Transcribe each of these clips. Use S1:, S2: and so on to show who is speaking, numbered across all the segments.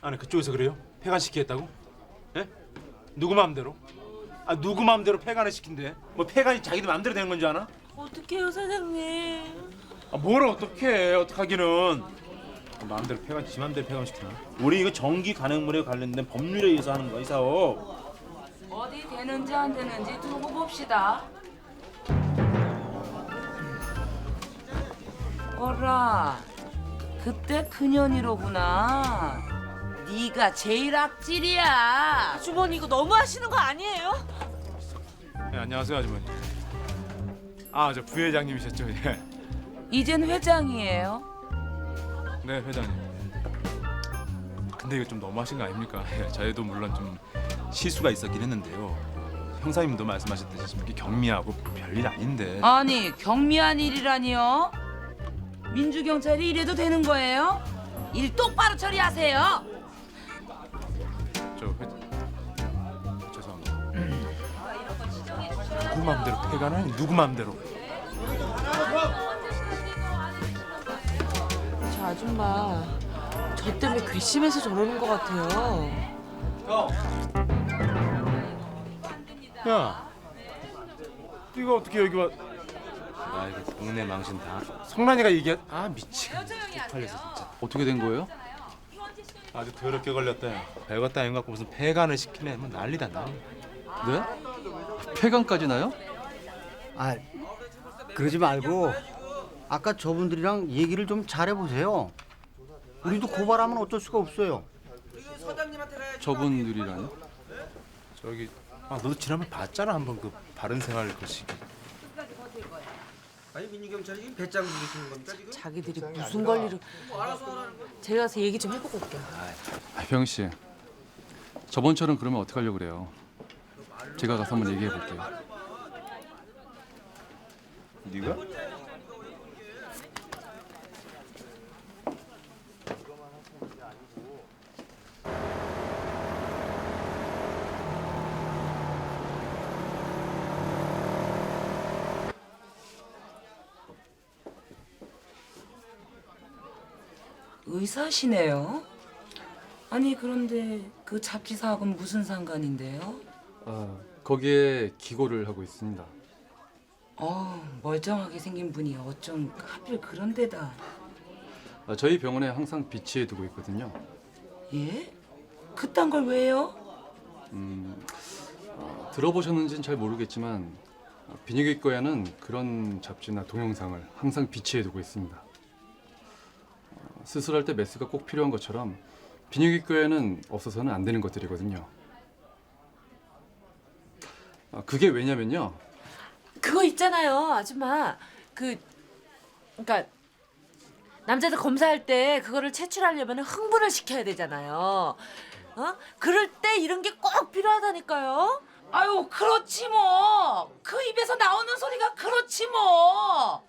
S1: 아니 그쪽에서 그래요? 폐간시키겠다고? 예? 누구 마음대로? 아 누구 마음대로 폐간을 시킨대? 뭐 폐간이 자기들 마음대로 되는 건 줄 아나?
S2: 어떡해요 사장님.
S1: 아 뭘 어떡해 어떡하기는. 마음대로 폐간 지 마음대로 폐간 시키나? 우리 이거 전기 가능물에 관련된 법률에 의해서 하는 거야 이 사업.
S3: 어디 되는지 안 되는지 두고 봅시다. 어라, 그때 그년이로구나. 네가 제일 악질이야.
S2: 주머니 이거 너무 하시는 거 아니에요?
S1: 네, 안녕하세요 아주머니. 아 저 부회장님이셨죠? 예.
S3: 이젠 회장이에요.
S1: 네 회장님. 근데 이거 좀 너무하신 거 아닙니까? 예, 저희도 물론 좀 실수가 있었긴 했는데요. 형사님도 말씀하셨듯이 좀 이렇게 경미하고 별일 아닌데.
S3: 아니, 경미한 일이라니요? 민주경찰이 이래도 되는 거예요? 일 똑바로 처리하세요.
S1: 저 죄송합니다. 누구 마음대로 폐가는 아니 누구 마음대로.
S2: 저 아줌마 저 때문에 괘씸해서 저러는 것 같아요.
S1: 야, 이거 어떻게 여기 와? 아 이거 동네 망신 다. 성란이가 얘기한. 아 미치겠네. 쪽팔려서 진짜.
S4: 어떻게 된 거예요?
S1: 아주 더럽게 걸렸다. 야. 별것도 아닌 것 같고 무슨 폐간을 시키네. 뭐 난리다 난리.
S4: 네? 폐간까지 나요?
S5: 아, 그러지 말고 아까 저분들이랑 얘기를 좀 잘해보세요. 우리도 고발하면 어쩔 수가 없어요.
S4: 저분들이라뇨?
S1: 저기 아 너도 지난번 봤잖아 한번 그 바른생활 그 시기.
S6: 아니 민주경찰이 배짱 부리시는 겁니까 지금?
S2: 자기들이 무슨 권리로. 제가 가서 얘기 좀 해보고 올게요.
S4: 병 씨, 저번처럼 그러면 어떡하려고 그래요? 제가 가서 한번 얘기해 볼게요.
S1: 네가?
S3: 의사시네요. 아니 그런데 그 잡지 사업은 무슨 상관인데요?
S4: 거기에 기고를 하고 있습니다.
S3: 멀쩡하게 생긴 분이 어쩜 하필 그런 데다.
S4: 저희 병원에 항상 비치해 두고 있거든요.
S3: 예? 그딴 걸 왜요?
S4: 들어보셨는지는 잘 모르겠지만 비뇨기과에는 그런 잡지나 동영상을 항상 비치해 두고 있습니다. 수술할 때 메스가 꼭 필요한 것처럼 비뇨기과에는 없어서는 안 되는 것들이거든요. 그게 왜냐면요.
S2: 그거 있잖아요 아줌마. 그러니까 남자들 검사할 때 그거를 채취하려면 흥분을 시켜야 되잖아요. 그럴 때 이런 게 꼭 필요하다니까요.
S3: 아유 그렇지 뭐. 그 입에서 나오는 소리가 그렇지 뭐.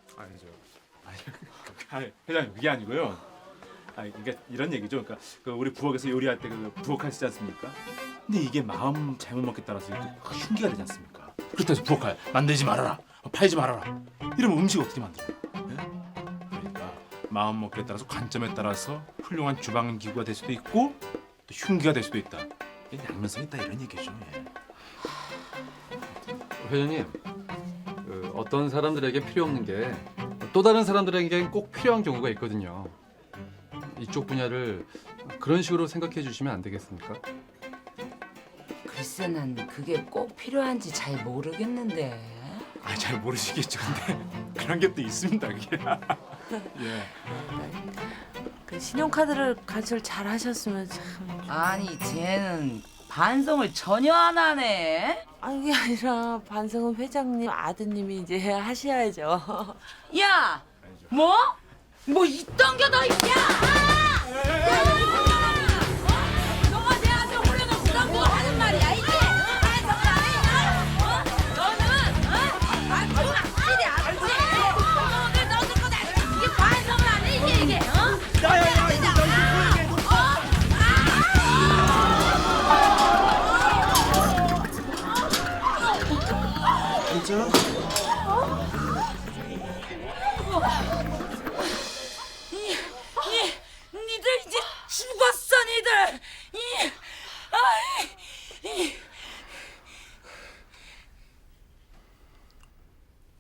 S1: 아니 회장님 그게 아니고요. 아니 그러니까 이런 얘기죠. 그러니까 그 우리 부엌에서 요리할 때 그 부엌칼 쓰지 않습니까? 근데 이게 마음 잘못 먹기에 따라서 이게 또 흉기가 되지 않습니까? 그렇다고 해서 부엌칼 만들지 말아라, 팔지 말아라. 이러면 음식 어떻게 만들어요? 예? 그러니까 마음 먹기에 따라서 관점에 따라서 훌륭한 주방 기구가 될 수도 있고 또 흉기가 될 수도 있다. 이게 양면성이 있다 이런 얘기죠. 예.
S4: 회장님, 어떤 사람들에게 필요 없는 게 또 다른 사람들에겐 꼭 필요한 경우가 있거든요. 이쪽 분야를 그런 식으로 생각해 주시면 안 되겠습니까?
S3: 글쎄 난 그게 꼭 필요한지 잘 모르겠는데.
S1: 아 잘 모르시겠죠. 근데 그런 게 또 있습니다. 그게. 예.
S2: 그 신용카드를 가출 잘 하셨으면 참.
S3: 아니 쟤는 반성을 전혀 안 하네.
S2: 아니 그게 아니라 반성은 회장님 아드님이 이제 하셔야죠.
S3: 야, 뭐? 뭐 있던 게 너 있냐? 너가 내 아들 홀려놓고 넌뭐 하는 말이야 이게? 반성을 안 해? 너는 아주 악질이 악질. 오늘 너 듣고 나 이게 반성을 안 해 이게?
S6: 진짜?